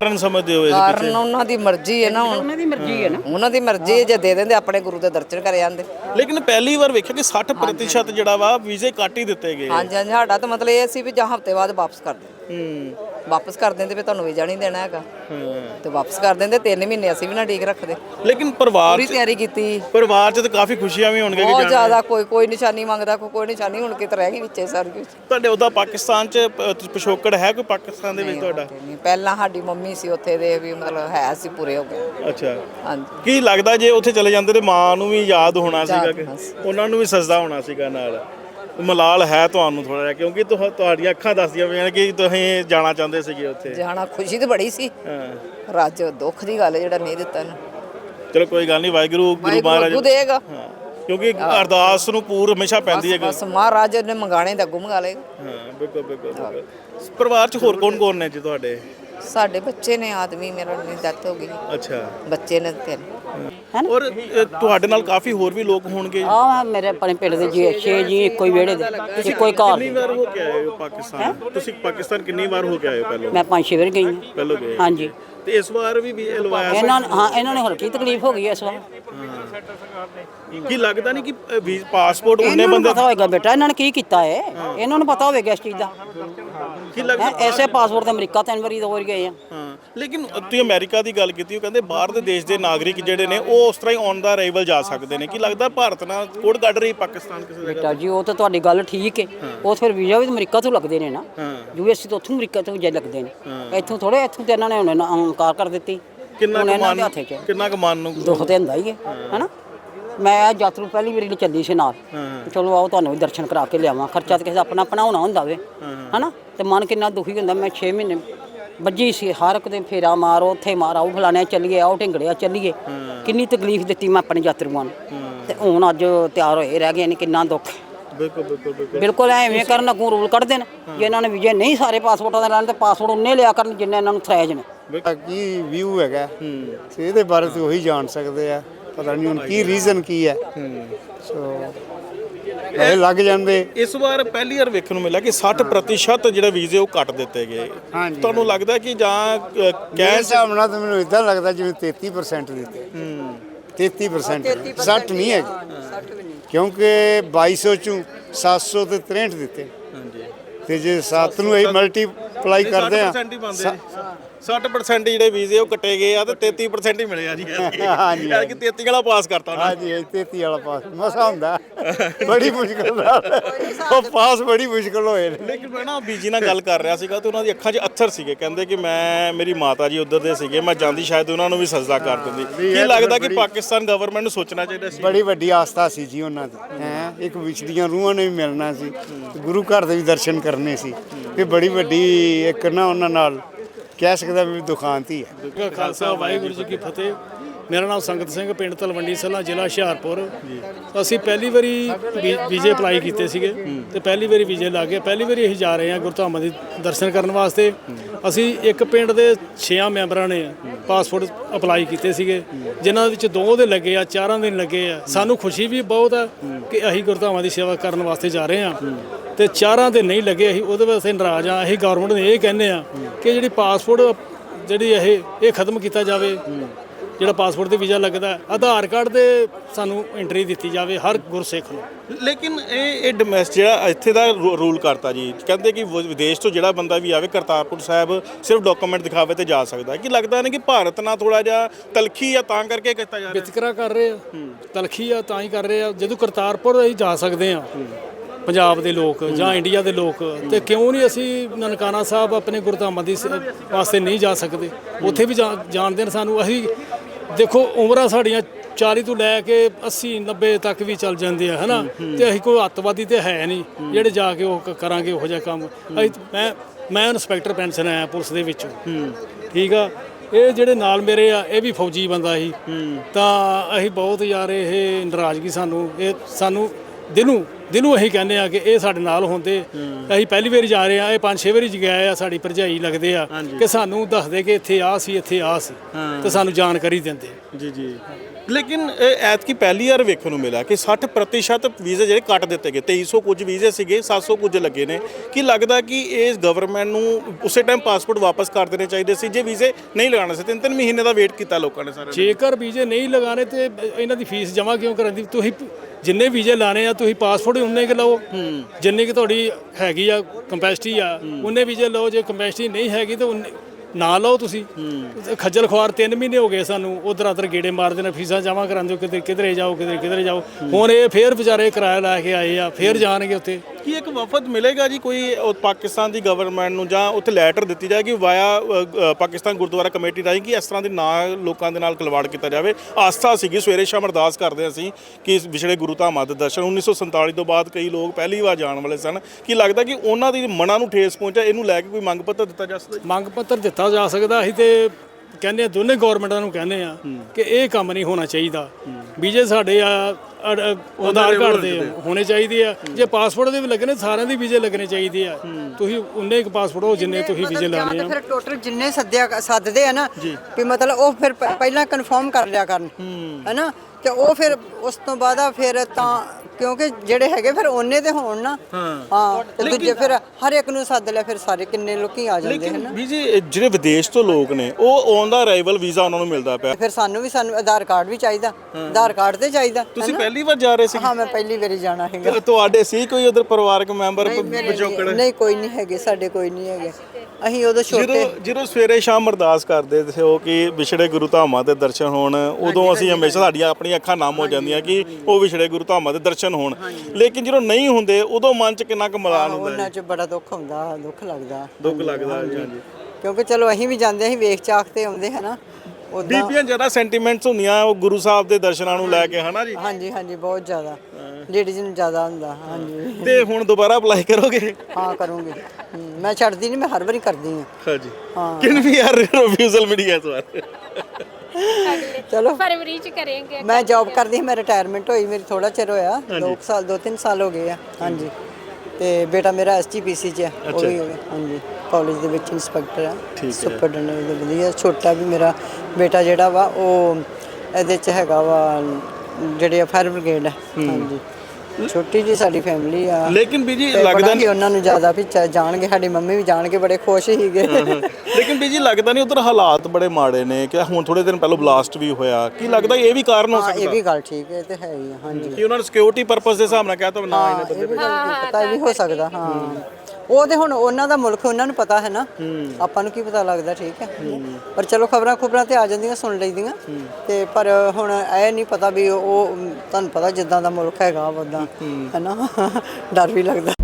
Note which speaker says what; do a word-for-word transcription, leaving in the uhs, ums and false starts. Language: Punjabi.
Speaker 1: ਕਾਰਨ ਸਮਝਦੇ ਹੋ?
Speaker 2: ਕਾਰਨ ਉਹਨਾਂ ਦੀ ਮਰਜ਼ੀ ਹੈ ਨਾ, ਉਹਨਾਂ ਦੀ ਮਰਜ਼ੀ ਹੈ ਨਾ, ਉਹਨਾਂ ਦੀ ਮਰਜ਼ੀ ਜੇ ਦੇ ਦਿੰਦੇ ਆਪਣੇ ਗੁਰੂ ਦੇ ਦਰਸ਼ਨ ਕਰ ਜਾਂਦੇ।
Speaker 1: ਲੇਕਿਨ ਪਹਿਲੀ ਵਾਰ ਵੇਖਿਆ ਕਿ ਸੱਠ ਪ੍ਰਤੀਸ਼ਤ ਜਿਹੜਾ ਵਾ ਵੀਜ਼ੇ ਕੱਟ ਹੀ ਦਿੱਤੇ ਗਏ।
Speaker 2: ਹਾਂਜੀ ਹਾਂਜੀ, ਸਾਡਾ ਤਾਂ ਮਤਲਬ ਇਹ ਸੀ ਵੀ ਜਾਂ ਹਫ਼ਤੇ ਬਾਅਦ ਵਾਪਸ ਕਰ ਦੇ,
Speaker 1: ਹੂੰ
Speaker 2: ਵਾਪਸ ਕਰ ਦਿੰਦੇ ਵੀ ਤੁਹਾਨੂੰ ਵੀਜ਼ਾ ਨਹੀਂ ਦੇਣਾ ਹੈਗਾ, ਤੇ ਵਾਪਸ ਕਰ ਦਿੰਦੇ। ਤਿੰਨ ਮਹੀਨੇ ਅਸੀਂ ਵੀ ਨਾ ਠੀਕ ਰੱਖਦੇ,
Speaker 1: ਲੇਕਿਨ ਪਰਿਵਾਰ
Speaker 2: ਪੂਰੀ ਤਿਆਰੀ ਕੀਤੀ।
Speaker 1: ਪਰਿਵਾਰ 'ਚ ਤਾਂ ਕਾਫੀ ਖੁਸ਼ੀਆਂ ਵੀ ਹੋਣਗੀਆਂ ਕਿ
Speaker 2: ਬਹੁਤ ਜ਼ਿਆਦਾ, ਕੋਈ ਕੋਈ ਨਿਸ਼ਾਨੀ ਮੰਗਦਾ, ਕੋਈ ਕੋਈ ਨਿਸ਼ਾਨੀ ਹੁਣ ਕਿਤੇ ਰਹਿ ਗਈ ਵਿੱਚੇ ਸਾਰੀ ਕੁਝ।
Speaker 1: ਤੁਹਾਡੇ ਉਹਦਾ ਪਾਕਿਸਤਾਨ 'ਚ ਪ- ਪਿਛੋਕੜ ਹੈ ਕੋਈ ਪਾਕਿਸਤਾਨ ਦੇ ਵਿੱਚ ਤੁਹਾਡਾ?
Speaker 2: ਨਹੀਂ, ਪਹਿਲਾਂ ਸਾਡੀ ਮੰਮੀ ਸੀ ਉੱਥੇ ਦੇ ਵੀ ਮਤਲਬ ਹੈ ਸੀ, ਪੂਰੇ ਹੋ ਗਏ।
Speaker 1: ਅੱਛਾ,
Speaker 2: ਹਾਂਜੀ।
Speaker 1: ਕੀ ਲੱਗਦਾ ਜੇ ਉੱਥੇ ਚਲੇ ਜਾਂਦੇ ਤੇ ਮਾਂ ਨੂੰ ਵੀ ਯਾਦ ਹੋਣਾ ਸੀਗਾ ਕਿ
Speaker 2: ਹੋਣਾ ਸੀ।
Speaker 1: ਉਹਨਾਂ ਨੂੰ ਵੀ ਸਜਦਾ ਹੋਣਾ ਸੀਗਾ ਨਾਲ? ਮਲਾਲ ਹੈ ਤੁਹਾਨੂੰ ਥੋੜਾ ਜਿਹਾ, ਕਿਉਂਕਿ ਤੁਹਾ- ਤੁਹਾਡੀਆਂ ਅੱਖਾਂ ਦੱਸਦੀਆਂ ਪਈਆਂ ਕਿ ਤੁਸੀਂ ਜਾਣਾ ਚਾਹੁੰਦੇ ਸੀਗੇ ਉੱਥੇ।
Speaker 2: ਜਾਣਾ ਖੁਸ਼ੀ ਤੇ ਬੜੀ ਸੀ,
Speaker 1: ਹਾਂ
Speaker 2: ਰੱਜ ਦੁੱਖ ਦੀ ਗੱਲ ਹੈ ਜਿਹੜਾ ਨਹੀਂ ਦਿੱਤਾ ਨਾ।
Speaker 1: ਚਲੋ ਕੋਈ ਗੱਲ ਨਹੀਂ, ਵਾਹਿਗੁਰੂ ਗੁਰੂ
Speaker 2: ਵਾਹਿਗੁਰੂ
Speaker 1: ਮਹਾਰਾਜ
Speaker 2: ਅੱਗੋਂ ਦੇਗਾ।
Speaker 1: ਹਾਂ, ਕਿਉਂਕਿ ਅਰਦਾਸ ਨੂੰ ਪੂਰ ਹਮੇਸ਼ਾ ਪੈਂਦੀ ਹੈ।
Speaker 2: ਬਸ ਮਹਾਰਾਜ ਨੇ ਮੰਗਾਣੇ ਦਾ ਅੱਗੋਂ ਮੰਗਾ ਲਏਗਾ।
Speaker 1: ਹਾਂ ਬਿਲਕੁਲ ਬਿਲਕੁਲ ਬਿਲਕੁਲ। ਪਰਿਵਾਰ 'ਚ ਹੋਰ ਕੌਣ ਕੌਣ ਨੇ ਜੀ ਤੁਹਾਡੇ?
Speaker 2: ਸਾਡੇ ਬੱਚੇ ਨੇ, ਆਦਮੀ ਮੇਰਾ ਦੀ ਡੈਥ ਹੋ ਗਈ,
Speaker 1: ਅੱਛਾ,
Speaker 2: ਬੱਚੇ ਨੇ ਤਿੰਨ।
Speaker 1: ਔਰ ਅ, ਤੁਹਾਡੇ ਨਾਲ ਕਾਫੀ ਹੋਰ ਵੀ ਲੋਕ ਹੋਣਗੇ?
Speaker 3: ਆ ਮੇਰੇ ਆਪਣੇ ਪਿੰਡ ਦੇ ਜੀ ਛੇ ਜੀ ਇੱਕੋ ਹੀ ਵਿਹੜੇ ਦੇ, ਇੱਕੋ ਹੀ ਘਰ
Speaker 1: ਕਿੰਨੀ
Speaker 3: ਦੇ।
Speaker 1: ਵਾਰ ਹੋ ਕੇ ਆਏ ਹੋ ਪਾਕਿਸਤਾਨ? ਤੁਸੀਂ ਪਾਕਿਸਤਾਨ ਕਿੰਨੀ ਵਾਰ ਹੋ ਕੇ ਆਏ ਹੋ ਪਹਿਲਾਂ?
Speaker 3: ਮੈਂ ਪੰਜ ਛੇ ਵਾਰ ਗਈ ਹਾਂ।
Speaker 1: ਪਹਿਲਾਂ ਗਏ?
Speaker 3: ਹਾਂਜੀ।
Speaker 1: ਤੇ ਇਸ ਵਾਰ ਵੀ ਵੀ ਲਵਾਇਆ ਸੀ?
Speaker 3: ਇਹਨਾਂ ਹਾਂ ਇਹਨਾਂ ਨੇ ਹਲਕੀ ਤਕਲੀਫ ਹੋ ਗਈ ਇਸ ਵਾਰ।
Speaker 1: ਕੀ ਲੱਗਦਾ ਨਹੀਂ ਕਿ ਅ, ਵੀ ਪਾਸਪੋਰਟ ਉਹਨੇ
Speaker 3: ਇਹਨਾਂ ਨੂੰ
Speaker 1: ਬੰਦੇ
Speaker 3: ਪਤਾ ਹੋਏਗਾ ਬੇਟਾ, ਇਹਨਾਂ ਨੇ ਕੀ ਕੀਤਾ ਹੈ, ਇਹਨਾਂ ਨੂੰ ਪਤਾ ਹੋਵੇਗਾ ਇਸ ਚੀਜ਼ ਦਾ।
Speaker 1: ਕੀ ਲੱਗਦਾ?
Speaker 3: ਹੈਂ, ਐਸੇ ਪਾਸਪੋਰਟ ਤੇ ਅਮਰੀਕਾ ਤਿੰਨ ਵਾਰੀ ਦੋ ਵਾਰੀ ਗਏ ਆ।
Speaker 1: ਹਾਂ, ਲੇਕਿਨ ਤੁਸੀਂ ਅਮਰੀਕਾ ਦੀ ਗੱਲ ਕੀਤੀ, ਉਹ ਕਹਿੰਦੇ ਬਾਹਰ ਦੇ ਦੇਸ਼ ਦੇ ਨਾਗਰਿਕ ਜਿਹੜੇ ਨੇ ਉਹ ਉਸ ਤਰ੍ਹਾਂ ਹੀ ਔਨ ਦਾ ਅਰਾਈਵਲ ਜਾ ਸਕਦੇ ਨੇ। ਕੀ ਲੱਗਦਾ ਭਾਰਤ ਨਾਲ ਕੋਡ ਕੱਢ ਰਹੀ ਪਾਕਿਸਤਾਨ ਕਿਸੇ ਜਗ੍ਹਾ?
Speaker 3: ਬੇਟਾ ਜੀ ਉਹ ਤਾਂ ਤੁਹਾਡੀ ਗੱਲ ਠੀਕ ਹੈ, ਉਹ ਫਿਰ ਵੀਜ਼ਾ ਵੀ ਅਮਰੀਕਾ ਤੋਂ ਲੱਗਦੇ ਨੇ ਨਾ।
Speaker 1: ਹਾਂ।
Speaker 3: ਯੂ ਐਸ ਤੋਂ ਉੱਥੋਂ ਅਮਰੀਕਾ ਤੋਂ ਵੀਜ਼ਾ ਲੱਗਦੇ ਨੇ, ਇੱਥੋਂ ਥੋੜੇ। ਇੱਥੋਂ ਤੇ ਇਹਨਾਂ ਨੇ ਹੁਣ ਇਨਕਾਰ ਕਰ ਦਿੱਤੀ।
Speaker 1: ਕਿੰਨਾ
Speaker 3: ਹੁਣ ਇਹਨਾਂ
Speaker 1: ਕਮਾਨ
Speaker 3: ਦੇ ਹੱਥ 'ਚ
Speaker 1: ਕਿੰਨਾ ਕਮਾਨ ਨੂੰ
Speaker 3: ਦੁੱਖ ਤੇ ਹੁੰਦਾ ਹੀ ਹੈ, ਹੈਨਾ। ਮੈਂ ਯਾਤਰੂ ਪਹਿਲੀ ਵਾਰੀ ਚੱਲੀ ਸੀ ਨਾਲ, ਚਲੋ ਆਓ ਤੁਹਾਨੂੰ ਵੀ ਦਰਸ਼ਨ ਕਰਾ ਕੇ ਲਿਆਵਾਂ। ਖਰਚਾ ਤਾਂ ਕਿਸੇ ਦਾ ਆਪਣਾ ਆਪਣਾ ਹੋਣਾ ਹੁੰਦਾ ਵੇ, ਹੈਨਾ। ਤੇ ਮਨ ਕਿੰਨਾ ਦੁਖੀ ਹੁੰਦਾ। ਮੈਂ ਛੇ ਮਹੀਨੇ ਵੱਜੀ ਸੀ, ਹਰ ਇੱਕ ਦੇ ਫੇਰਾ ਮਾਰੋ, ਉੱਥੇ ਮਾਰ, ਆਓ ਫਲਾਣਿਆ ਚੱਲੀਏ, ਆਓ ਢਿੰਗੜਿਆ ਚੱਲੀਏ। ਕਿੰਨੀ ਤਕਲੀਫ ਦਿੱਤੀ ਮੈਂ ਆਪਣੇ ਯਾਤਰੂਆਂ ਨੂੰ, ਤੇ ਹੁਣ ਅੱਜ ਤਿਆਰ ਹੋਏ ਰਹਿ ਗਏ ਨੇ। ਕਿੰਨਾ ਦੁੱਖ।
Speaker 1: ਬਿਲਕੁਲ ਬਿਲਕੁਲ ਬਿਲਕੁਲ
Speaker 3: ਬਿਲਕੁਲ ਐਵੇਂ ਕਰਨ, ਅੱਗੋਂ ਰੂਲ ਕੱਢ ਦੇਣ। ਜੇ ਇਹਨਾਂ ਨੇ ਵੀਜ਼ੇ ਨਹੀਂ ਸਾਰੇ ਪਾਸਪੋਰਟਾਂ ਦੇ ਲੈਣ, ਤੇ ਪਾਸਪੋਰਟ ਉਹਨੇ ਲਿਆ ਕਰਨ ਜਿੰਨੇ ਇਹਨਾਂ ਨੂੰ ਥਰੈਜ ਨੇ।
Speaker 4: ਕੀ ਵਿਊ ਹੈਗਾ ਤੇ ਇਹਦੇ ਬਾਰੇ ਤੇ ਉਹੀ ਜਾਣ ਸਕਦੇ ਆ। ਪਤਾ ਨਹੀਂ ਹੁਣ ਕੀ ਰੀਜ਼ਨ ਕੀ ਹੈ। ਸੋ ਇਹ ਲੱਗ ਜਾਂਦੇ।
Speaker 1: ਇਸ ਵਾਰ ਪਹਿਲੀ ਵਾਰ ਵੇਖਣ ਨੂੰ ਮਿਲਿਆ ਕਿ ਸੱਠ ਪ੍ਰਤੀਸ਼ਤ ਜਿਹੜੇ ਵੀਜ਼ੇ ਉਹ ਕੱਟ ਦਿੱਤੇ ਗਏ।
Speaker 4: ਹਾਂਜੀ।
Speaker 1: ਤੁਹਾਨੂੰ ਲੱਗਦਾ ਕਿ ਜਾਂ ਅ,
Speaker 4: ਮੇਰੇ
Speaker 1: ਕਹਿ
Speaker 4: ਹਿਸਾਬ ਨਾਲ ਤਾਂ ਮੈਨੂੰ ਇਦਾਂ ਲੱਗਦਾ ਜਿਵੇਂ ਤੇਤੀ ਪਰਸੈਂਟ ਦਿੱਤੇ। ਤੇਤੀ ਪਰਸੈਂਟ ਸੱਠ ਨਹੀਂ ਹੈਗੇ, ਕਿਉਂਕਿ ਬਾਈ ਸੌ ਚੋਂ ਸੱਤ ਸੌ ਤੇ ਤਰੇਂਹਠ ਦਿੱਤੇ। ਤੇ ਜੇ ਸੱਤ ਨੂੰ ਅਸੀਂ ਮਲਟੀਪਲਾਈ ਕਰਦੇ ਆ,
Speaker 1: ਸੱਠ ਪਰਸੈਂਟ ਜਿਹੜੇ ਵੀਜ਼ੇ ਉਹ ਕੱਟੇ ਗਏ ਆ ਤੇ ਤੇਤੀ ਪਰਸੈਂਟ ਹੀ ਮਿਲੇ ਆ ਜੀ।
Speaker 4: ਹਾਂਜੀ।
Speaker 1: ਯਾਰ ਕਿ ਤੇਤੀ ਵਾਲਾ ਪਾਸ ਕਰਤਾ ਉਹਨਾਂ ਨੇ।
Speaker 4: ਹਾਂਜੀ ਤੇਤੀ ਵਾਲਾ ਪਾਸ ਮਸਾ ਹੁੰਦਾ, ਬੜੀ ਮੁਸ਼ਕਲ ਨਾਲ ਉਹ ਪਾਸ ਬੜੀ ਮੁਸ਼ਕਲ ਹੋਏ ਨੇ।
Speaker 1: ਲੇਕਿਨ ਮੈਂ ਨਾ ਬੀਜੀ ਨਾਲ ਗੱਲ ਕਰ ਰਿਹਾ ਸੀਗਾ ਤੇ ਉਹਨਾਂ ਦੀ ਅੱਖਾਂ 'ਚ ਅੱਥਰ ਸੀਗੇ। ਕਹਿੰਦੇ ਕਿ ਮੈਂ, ਮੇਰੀ ਮਾਤਾ ਜੀ ਉੱਧਰ ਦੇ ਸੀਗੇ, ਮੈਂ ਜਾਂਦੀ ਸ਼ਾਇਦ ਉਹਨਾਂ ਨੂੰ ਵੀ ਸਜਦਾ ਕਰ ਦਿੰਦੀ। ਕੀ ਲੱਗਦਾ ਕਿ ਪਾਕਿਸਤਾਨ ਗਵਰਨਮੈਂਟ ਨੂੰ ਸੋਚਣਾ ਚਾਹੀਦਾ ਸੀ?
Speaker 4: ਬੜੀ ਵੱਡੀ ਆਸਥਾ ਸੀ ਜੀ ਉਹਨਾਂ ਦੀ। ਹੈ ਇੱਕ ਵਿਛੜੀਆਂ ਰੂਹਾਂ ਨੇ ਵੀ ਮਿਲਣਾ ਸੀ, ਗੁਰੂ ਘਰ ਦੇ ਵੀ ਦਰਸ਼ਨ ਕਰਨੇ ਸੀ। ਇਹ ਬੜੀ ਵੱਡੀ ਇੱਕ ਨਾ ਉਹਨਾਂ ਨਾਲ ਕਹਿ ਸਕਦਾ ਵੀ ਦੁਖਾਂਤੀ ਹੈ।
Speaker 5: ਖਾਲਸਾ ਵਾਹਿਗੁਰੂ ਜੀ ਕੀ ਫਤਿਹ। ਮੇਰਾ ਨਾਮ ਸੰਗਤ ਸਿੰਘ, ਪਿੰਡ ਤਲਵੰਡੀ ਸਲਾ, ਜ਼ਿਲ੍ਹਾ ਹੁਸ਼ਿਆਰਪੁਰ। ਅਸੀਂ ਪਹਿਲੀ ਵਾਰੀ ਵੀ- ਵੀਜ਼ੇ ਅਪਲਾਈ ਕੀਤੇ ਸੀਗੇ ਤੇ ਪਹਿਲੀ ਵਾਰੀ ਵੀਜ਼ੇ ਲੱਗ ਗਏ। ਪਹਿਲੀ ਵਾਰੀ ਅਸੀਂ ਜਾ ਰਹੇ ਹਾਂ ਗੁਰਧਾਮਾਂ ਦੇ ਦਰਸ਼ਨ ਕਰਨ ਵਾਸਤੇ। ਅਸੀਂ ਇੱਕ ਪਿੰਡ ਦੇ ਛੇਆਂ ਮੈਂਬਰਾਂ ਨੇ ਪਾਸਪੋਰਟ ਅਪਲਾਈ ਕੀਤੇ ਸੀਗੇ, ਜਿਨ੍ਹਾਂ ਵਿੱਚ ਦੋ ਦੇ ਲੱਗੇ ਆ, ਚਾਰਾਂ ਦੇ ਲੱਗੇ ਆ। ਸਾਨੂੰ ਖੁਸ਼ੀ ਵੀ ਬਹੁਤ ਹੈ ਕਿ ਅਸੀਂ ਗੁਰਧਾਮਾਂ ਦੀ ਸੇਵਾ ਕਰਨ ਵਾਸਤੇ ਜਾ ਰਹੇ ਹਾਂ, ਤੇ ਚਾਰਾਂ ਦੇ ਨਹੀਂ ਲੱਗੇ। ਅਸੀਂ ਉਹਦੇ ਵਾਸਤੇ ਨਾਰਾਜ਼ ਆ। ਅਸੀਂ ਗਵਰਨਮੈਂਟ ਨੂੰ ਇਹ ਕਹਿੰਦੇ ਆ ਕਿ ਜਿਹੜੀ ਪਾਸਪੋਰਟ ਜਿਹੜੀ ਇਹ ਇਹ ਖਤਮ ਕੀਤਾ ਜਾਵੇ। ਜਿਹੜਾ ਪਾਸਪੋਰਟ ਤੇ ਵੀਜ਼ਾ ਲੱਗਦਾ, ਆਧਾਰ ਕਾਰਡ ਤੇ ਸਾਨੂੰ ਐਂਟਰੀ ਦਿੱਤੀ ਜਾਵੇ ਹਰ ਗੁਰਸਿੱਖ ਨੂੰ।
Speaker 1: ਲੇਕਿਨ ਇਹ ਇਹ ਡੋਮੈਸਟਿਕ ਜਿਹੜਾ ਇੱਥੇ ਦਾ ਰੂਲ ਕਰਤਾ ਜੀ। ਕਹਿੰਦੇ ਕਿ ਵਿ- ਵਿਦੇਸ਼ ਤੋਂ ਜਿਹੜਾ ਬੰਦਾ ਵੀ ਆਵੇ ਕਰਤਾਰਪੁਰ ਸਾਹਿਬ ਸਿਰਫ ਡਾਕੂਮੈਂਟ ਦਿਖਾਵੇ ਤੇ ਜਾ ਸਕਦਾ। ਕੀ ਲੱਗਦਾ ਨਹੀਂ ਕਿ ਭਾਰਤ ਨਾਲ ਥੋੜਾ ਜਿਹਾ ਤਲਖੀ ਆ ਤਾਂ ਕਰਕੇ ਕੀਤਾ ਜਾ ਰਿਹਾ?
Speaker 5: ਵਿਤਕਰਾ ਕਰ ਰਹੇ ਆ, ਤਲਖੀ ਆ ਤਾਂ ਹੀ ਕਰ ਰਹੇ ਆ। ਜਦੋਂ ਕਰਤਾਰਪੁਰ ਅਸੀਂ ਜਾ ਸਕਦੇ ਆ ਪੰਜਾਬ ਦੇ ਲੋਕ ਜਾਂ ਇੰਡੀਆ ਦੇ ਲੋਕ, ਤੇ ਕਿਉਂ ਨਹੀਂ ਅਸੀਂ ਨਨਕਾਣਾ ਸਾਹਿਬ ਆਪਣੇ ਗੁਰਧਾਮਾਂ ਦੀ ਸ- ਵਾਸਤੇ ਨਹੀਂ ਜਾ ਸਕਦੇ? ਉੱਥੇ ਵੀ ਜਾ- ਜਾਣ ਦੇਣ ਸਾਨੂੰ। ਅਸੀਂ ਦੇਖੋ ਉਮਰਾਂ ਸਾਡੀਆਂ ਚਾਲੀ ਤੋਂ ਲੈ ਕੇ ਅੱਸੀ ਨੱਬੇ ਤੱਕ ਵੀ ਚੱਲ ਜਾਂਦੇ ਆ, ਹੈਨਾ। ਤੇ ਅਸੀਂ ਕੋਈ ਅੱਤਵਾਦੀ ਤੇ ਹੈ ਨਹੀਂ ਜਿਹੜੇ ਜਾ ਕੇ ਉਹ ਕ- ਕਰਾਂਗੇ ਉਹੋ ਜਿਹਾ ਕੰਮ। ਅਸੀਂ ਮੈਂ ਮੈਂ ਇੰਸਪੈਕਟਰ ਪੈਨਸ਼ਨ ਆਇਆ ਪੁਲਿਸ ਦੇ ਵਿੱਚੋਂ, ਠੀਕ ਆ। ਇਹ ਜਿਹੜੇ ਨਾਲ ਮੇਰੇ ਆ ਇਹ ਵੀ ਫੌਜੀ ਬੰਦਾ ਸੀ। ਤਾਂ ਅਸੀਂ ਬਹੁਤ ਯਾਰ ਇਹ ਨਾਰਾਜ਼ਗੀ ਸਾਨੂੰ ਇਹ ਸਾਨੂੰ ਦਿਨੋਂ ਦਿਨੋਂ ਅਸੀਂ ਕਹਿੰਦੇ ਆ ਕਿ ਇਹ ਸਾਡੇ ਨਾਲ ਹੁੰਦੇ। ਅਸੀਂ ਪਹਿਲੀ ਵਾਰੀ ਜਾ ਰਹੇ ਆ, ਇਹ ਪੰਜ ਛੇ ਵਾਰੀ ਜ ਗਏ ਆ। ਸਾਡੀ ਭਰਜਾਈ ਲੱਗਦੇ ਆ ਕਿ ਸਾਨੂੰ ਦੱਸਦੇ ਕਿ ਇੱਥੇ ਆ ਸੀ, ਇੱਥੇ ਆ ਸੀ, ਤੇ ਸਾਨੂੰ ਜਾਣਕਾਰੀ ਦਿੰਦੇ।
Speaker 1: ਜੀ ਜੀ। ਲੇਕਿਨ ਐਤਕੀ ਪਹਿਲੀ ਵਾਰ ਵੇਖਣ ਨੂੰ ਮਿਲਿਆ ਕਿ ਸੱਠ ਪ੍ਰਤੀਸ਼ਤ ਵੀਜ਼ੇ ਜਿਹੜੇ ਕੱਟ ਦਿੱਤੇ ਗਏ, ਤੇਈ ਸੌ ਕੁਝ ਵੀਜ਼ੇ ਸੀਗੇ, ਸੱਤ ਸੌ ਕੁਝ ਲੱਗੇ ਨੇ। ਕੀ ਲੱਗਦਾ ਕਿ ਇਸ ਗਵਰਨਮੈਂਟ ਨੂੰ ਉਸੇ ਟਾਈਮ ਪਾਸਪੋਰਟ ਵਾਪਸ ਕਰ ਦੇਣੇ ਚਾਹੀਦੇ ਸੀ ਜੇ ਵੀਜ਼ੇ ਨਹੀਂ ਲਗਾਉਣੇ ਸੀ? ਤਿੰਨ ਤਿੰਨ ਮਹੀਨੇ ਦਾ ਵੇਟ ਕੀਤਾ ਲੋਕਾਂ ਨੇ ਸਾਰੇ।
Speaker 5: ਜੇਕਰ ਵੀਜ਼ੇ ਨਹੀਂ ਲਗਾਣੇ ਤੇ ਇਹਨਾਂ ਦੀ ਫੀਸ ਜਮ੍ਹਾਂ ਕਿਉਂ ਕਰਨ ਦੀ? ਤੁਸੀਂ ਜਿੰਨੇ ਵੀਜ਼ੇ ਲਾਣੇ ਆ ਤੁਸੀਂ ਪਾਸਪੋਰਟ ਉਨੇ ਕਿ ਲਓ, ਜਿੰਨੀ ਕਿ ਤੁਹਾਡੀ ਹੈਗੀ ਆ ਕੰਪੈਸਿਟੀ ਆ ਉਨੇ ਵੀਜ਼ੇ ਲਓ। ਜੇ ਕੰਪੈਸਿਟੀ ਨਹੀਂ ਹੈਗੀ ਤਾਂ ਉਨੇ ਨਾ ਲਓ। ਤੁਸੀਂ ਖੱਜਲ ਖੁਆਰ ਤਿੰਨ ਮਹੀਨੇ ਹੋ ਗਏ ਸਾਨੂੰ, ਉਧਰ ਉਧਰ ਗੇੜੇ ਮਾਰਦੇ ਨੇ, ਫੀਸਾਂ ਜਮ੍ਹਾਂ ਕਰਾਉਂਦੇ, ਕਿਤੇ ਕਿਧਰੇ ਜਾਓ, ਕਿਧਰੇ ਕਿਧਰੇ ਜਾਓ। ਹੁਣ ਇਹ ਫੇਰ ਵਿਚਾਰੇ ਕਿਰਾਇਆ ਲੈ ਕੇ ਆਏ ਆ, ਫੇਰ ਜਾਣਗੇ ਉੱਥੇ।
Speaker 1: ਕੀ ਇੱਕ ਵਫਦ ਮਿਲੇਗਾ ਜੀ ਕੋਈ ਉਹ ਪਾਕਿਸਤਾਨ ਦੀ ਗਵਰਨਮੈਂਟ ਨੂੰ, ਜਾਂ ਉੱਥੇ ਲੈਟਰ ਦਿੱਤੀ ਜਾਏਗੀ ਵਾਇਆ ਪਾਕਿਸਤਾਨ ਗੁਰਦੁਆਰਾ ਕਮੇਟੀ ਰਾਹੀਂ ਕਿ ਇਸ ਤਰ੍ਹਾਂ ਦੇ ਨਾ ਲੋਕਾਂ ਦੇ ਨਾਲ ਖਿਲਵਾੜ ਕੀਤਾ ਜਾਵੇ? ਆਸਥਾ ਸੀਗੀ, ਸਵੇਰੇ ਸ਼ਾਮ ਅਰਦਾਸ ਕਰਦੇ ਅਸੀਂ ਕਿ ਵਿਛੜੇ ਗੁਰੂ ਧਾਮਾਂ ਦੇ ਦਰਸ਼ਨ। ਉੱਨੀ ਸੌ ਸੰਤਾਲੀ ਤੋਂ ਬਾਅਦ ਕਈ ਲੋਕ ਪਹਿਲੀ ਵਾਰ ਜਾਣ ਵਾਲੇ ਸਨ। ਕੀ ਲੱਗਦਾ ਕਿ ਉਹਨਾਂ ਦੀ ਮਨਾਂ ਨੂੰ ਠੇਸ ਪਹੁੰਚਾ? ਇਹਨੂੰ ਲੈ ਕੇ ਕੋਈ ਮੰਗ ਪੱਤਰ ਦਿੱਤਾ ਜਾ ਸਕਦਾ?
Speaker 5: ਮੰਗ ਪੱਤਰ ਦਿੱਤਾ ਜਾ ਸਕਦਾ। ਅਸੀਂ ਤੇ ਕਹਿੰਦੇ ਆ, ਦੋਨੇ ਗੌਰਮੈਂਟਾਂ ਨੂੰ ਕਹਿੰਦੇ ਆ ਕਿ ਇਹ ਕੰਮ ਨਹੀਂ ਹੋਣਾ ਚਾਹੀਦਾ। ਵੀਜ਼ੇ ਸਾਡੇ ਆ ਆਧਾਰ ਕਾਰਡ ਦੇ ਹੋਣੇ ਚਾਹੀਦੇ ਆ, ਜੇ ਪਾਸਪੋਰਟ ਦੇ ਵੀ ਲੱਗਣੇ, ਸਾਰਿਆਂ ਦੇ ਵੀਜ਼ੇ ਲੱਗਣੇ ਚਾਹੀਦੇ ਆ। ਤੁਸੀਂ ਉਨੇ ਇੱਕ ਪਾਸਪੋਰਟ ਹੋ ਜਿੰਨੇ ਤੁਸੀਂ ਵੀਜ਼ੇ ਲਾਣੇ ਆ।
Speaker 6: ਫਿਰ ਟੋਟਲ ਜਿੰਨੇ ਸੱਦਿਆ ਸੱਦਦੇ ਆ ਨਾ ਵੀ ਮਤਲਬ ਉਹ ਫਿਰ ਪ- ਪਹਿਲਾਂ ਕਨਫਰਮ ਕਰ ਲਿਆ ਕਰਨ, ਹੈਨਾ? ਤੇ ਉਹ ਫਿਰ ਉਸ ਤੋਂ ਬਾਅਦ ਆ ਫਿਰ ਤਾਂ ਕਿਉਂਕਿ ਜਿਹੜੇ ਹੈਗੇ ਫਿਰ ਉਹਨੇ ਤੇ ਹੋਣ ਨਾ। ਹਾਂ ਤੇ ਦੂਜੇ ਫਿਰ ਹਰ ਇੱਕ ਨੂੰ ਸੱਦ ਲਿਆ, ਫਿਰ ਸਾਰੇ ਕਿੰਨੇ ਲੋਕੀ ਆ ਜਾਂਦੇ ਹਨ।
Speaker 1: ਵੀ ਜੀ ਜਿਹੜੇ ਵਿਦੇਸ਼ ਤੋਂ ਲੋਕ ਨੇ ਉਹ ਔਨ ਦਾ ਅਰਾਈਵਲ ਵੀਜ਼ਾ ਉਹਨਾਂ ਨੂੰ ਮਿਲਦਾ ਪਿਆ।
Speaker 6: ਫਿਰ ਸਾਨੂੰ ਵੀ ਸਾਨੂੰ ਆਧਾਰ ਕਾਰਡ ਵੀ ਚਾਹੀਦਾ, ਆਧਾਰ ਕਾਰਡ ਤੇ ਚਾਹੀਦਾ।
Speaker 1: ਤੁਸੀਂ ਪਹਿਲੀ ਵਾਰ ਜਾ ਰਹੇ ਸੀ?
Speaker 6: ਹਾਂ ਮੈਂ ਪਹਿਲੀ ਵਾਰੀ ਜਾਣਾ ਹੈਗਾ।
Speaker 1: ਤੁਹਾਡੇ ਸੀ ਕੋਈ ਉਧਰ ਪਰਿਵਾਰਕ ਮੈਂਬਰ ਪਿਛੋਕੜ?
Speaker 6: ਨਹੀਂ ਕੋਈ ਨਹੀਂ ਹੈਗੇ ਸਾਡੇ, ਕੋਈ ਨਹੀਂ ਹੈਗੇ। ਅਸੀਂ ਉਦੋਂ ਛੋਟੇ
Speaker 1: ਜਦੋਂ ਜਦੋਂ ਸਵੇਰੇ ਸ਼ਾਮ ਅਰਦਾਸ ਕਰਦੇ ਸੀ ਉਹ ਕਿ ਵਿਛੜੇ ਗੁਰੂ ਧਾਮਾਂ ਦੇ ਦਰਸ਼ਨ ਹੋਣ, ਉਦੋਂ ਅਸੀਂ ਹਮੇਸ਼ਾ ਸਾਡੀਆਂ ਆਪਣੀਆਂ ਅੱਖਾਂ ਨਮ ਹੋ ਜਾਂਦੀਆਂ ਕਿ ਉਹ ਵਿਛੜੇ ਗੁਰੂ ਧਾਮਾਂ ਦੇ ਦਰਸ਼ਨ ਹੋਣ। ਲੇਕਿਨ ਜਦੋਂ ਨਹੀਂ ਹੁੰਦੇ ਉਦੋਂ ਮਨ 'ਚ ਕਿੰਨਾ ਕੁ ਮਲਾਲ ਹੁੰਦਾ?
Speaker 6: ਉਹਨਾਂ 'ਚ ਬੜਾ ਦੁੱਖ ਹੁੰਦਾ, ਦੁੱਖ ਲੱਗਦਾ,
Speaker 1: ਦੁੱਖ ਲੱਗਦਾ ਜੀ। ਹਾਂਜੀ,
Speaker 6: ਕਿਉਂਕਿ ਚਲੋ ਅਸੀਂ ਵੀ ਜਾਂਦੇ, ਅਸੀਂ ਵੇਖ ਚਾਖ ਤੇ ਆਉਂਦੇ ਹਨਾ। ਉਦਾਂ
Speaker 1: ਬੀਬੀਆਂ ਜ਼ਿਆਦਾ ਸੈਂਟੀਮੈਂਟਸ ਹੁੰਦੀਆਂ ਉਹ ਗੁਰੂ ਸਾਹਿਬ ਦੇ ਦਰਸ਼ਨਾਂ ਨੂੰ ਲੈ ਕੇ, ਹਨਾ ਜੀ?
Speaker 6: ਹਾਂਜੀ ਹਾਂਜੀ ਬਹੁਤ ਜ਼ਿਆਦਾ, ਲੇਡੀਜ਼ ਨੂੰ ਜ਼ਿਆਦਾ ਹੁੰਦਾ। ਹਾਂਜੀ
Speaker 1: ਤੇ ਹੁਣ ਦੁਬਾਰਾ ਅਪਲਾਈ ਕਰੋਗੇ?
Speaker 6: ਹਾਂ ਕਰੂੰਗੀ। ਹਮ, ਮੈਂ ਛੱਡਦੀ ਨਹੀਂ, ਮੈਂ ਹਰ ਵਾਰੀ ਕਰਦੀ ਹਾਂ।
Speaker 1: ਹਾਂਜੀ ਕਿਨ ਵੀ ਯਾਰ ਰਿਫਿਊਜ਼ਲ ਮਿਲੀ ਇਸ ਵਾਰ?
Speaker 6: ਚਲੋ
Speaker 7: ਫਰਵਰੀ ਚ ਕਰਾਂਗੇ।
Speaker 6: ਮੈਂ ਜੌਬ ਕਰਦੀ ਸੀ, ਮੈਂ ਰਿਟਾਇਰਮੈਂਟ ਹੋਈ, ਮੇਰੀ ਥੋੜਾ ਚਿਰ ਹੋਇਆ, ਦੋ ਕੁ ਸਾਲ ਦੋ ਤਿੰਨ ਸਾਲ ਹੋ ਗਏ ਆ। ਹਾਂਜੀ ਤੇ ਬੇਟਾ ਮੇਰਾ ਐਸ ਟੀ ਪੀ ਸੀ 'ਚ ਹੈ, ਉਹ ਵੀ ਹੋ ਗਿਆ। ਹਾਂਜੀ ਕਾਲਜ ਦੇ ਵਿੱਚ ਇੰਸਪੈਕਟਰ ਆ, ਸੁਪਰਡੈਂਟ ਵਧੀਆ। ਛੋਟਾ ਵੀ ਮੇਰਾ ਬੇਟਾ ਜਿਹੜਾ ਵਾ ਉਹ ਇਹਦੇ 'ਚ ਹੈਗਾ ਵਾ, ਜਿਹੜੇ ਆ ਫਾਇਰ ਬ੍ਰਿਗੇਡ ਹੈ। ਹਾਂਜੀ ਛੋਟੀ ਜੀ ਸਾਡੀ ਫੈਮਿਲੀ ਆ।
Speaker 1: ਲੇਕਿਨ ਬੀਜੀ
Speaker 6: ਤੇ
Speaker 1: ਲੱਗਦਾ
Speaker 6: ਬੜਾ ਹੀ
Speaker 1: ਨਹੀਂ
Speaker 6: ਉਹਨਾਂ ਨੂੰ ਜ਼ਿਆਦਾ ਵੀ ਚ- ਜਾਣਗੇ, ਸਾਡੀ ਮੰਮੀ ਵੀ ਜਾਣ ਕੇ ਬੜੇ ਖੁਸ਼ ਸੀਗੇ।
Speaker 1: ਲੇਕਿਨ ਬੀਜੀ ਲੱਗਦਾ ਨਹੀਂ ਉਧਰ ਹਾਲਾਤ ਬੜੇ ਮਾੜੇ ਨੇ ਕਿ ਹੁਣ ਥੋੜੇ ਦਿਨ ਪਹਿਲਾਂ ਬਲਾਸਟ ਵੀ ਹੋਇਆ। ਕੀ ਲੱਗਦਾ ਇਹ ਵੀ ਕਾਰਨ ਹੋ
Speaker 6: ਹਾਂ ਇਹ
Speaker 1: ਸਕਦਾ
Speaker 6: ਵੀ ਗੱਲ ਠੀਕ ਹੈ, ਇਹ ਤੇ ਹੈ ਹੀ ਆ। ਹਾਂਜੀ
Speaker 1: ਕਿ ਉਹਨਾਂ ਨੇ ਸਿਕਿਉਰਿਟੀ ਪਰਪਸ ਦੇ ਹਿਸਾਬ ਨਾਲ ਕਹਿਤਾ ਨਾ
Speaker 6: ਹਾਂ
Speaker 1: ਇਹਨੇ
Speaker 6: ਇਹ ਵੀ ਗੱਲ ਕੀ ਪਤਾ, ਇਹ ਵੀ ਹੋ ਸਕਦਾ। ਹਾਂ ਉਹ ਤੇ ਹੁਣ ਉਹਨਾਂ ਦਾ ਮੁਲਕ, ਉਹਨਾਂ ਨੂੰ ਪਤਾ ਹੈ ਨਾ, ਆਪਾਂ ਨੂੰ ਕੀ ਪਤਾ ਲੱਗਦਾ। ਠੀਕ ਹੈ, ਪਰ ਚਲੋ ਖਬਰਾਂ ਖੁਬਰਾਂ ਤੇ ਆ ਜਾਂਦੀਆਂ, ਸੁਣ ਲਈਦੀਆਂ। ਤੇ ਪਰ ਹੁਣ ਇਹ ਨਹੀਂ ਪਤਾ ਵੀ ਉਹ, ਤੁਹਾਨੂੰ ਪਤਾ ਜਿੱਦਾਂ ਦਾ ਮੁਲਕ ਹੈਗਾ ਉਦਾਂ ਹੈ ਨਾ, ਡਰ ਵੀ ਲੱਗਦਾ।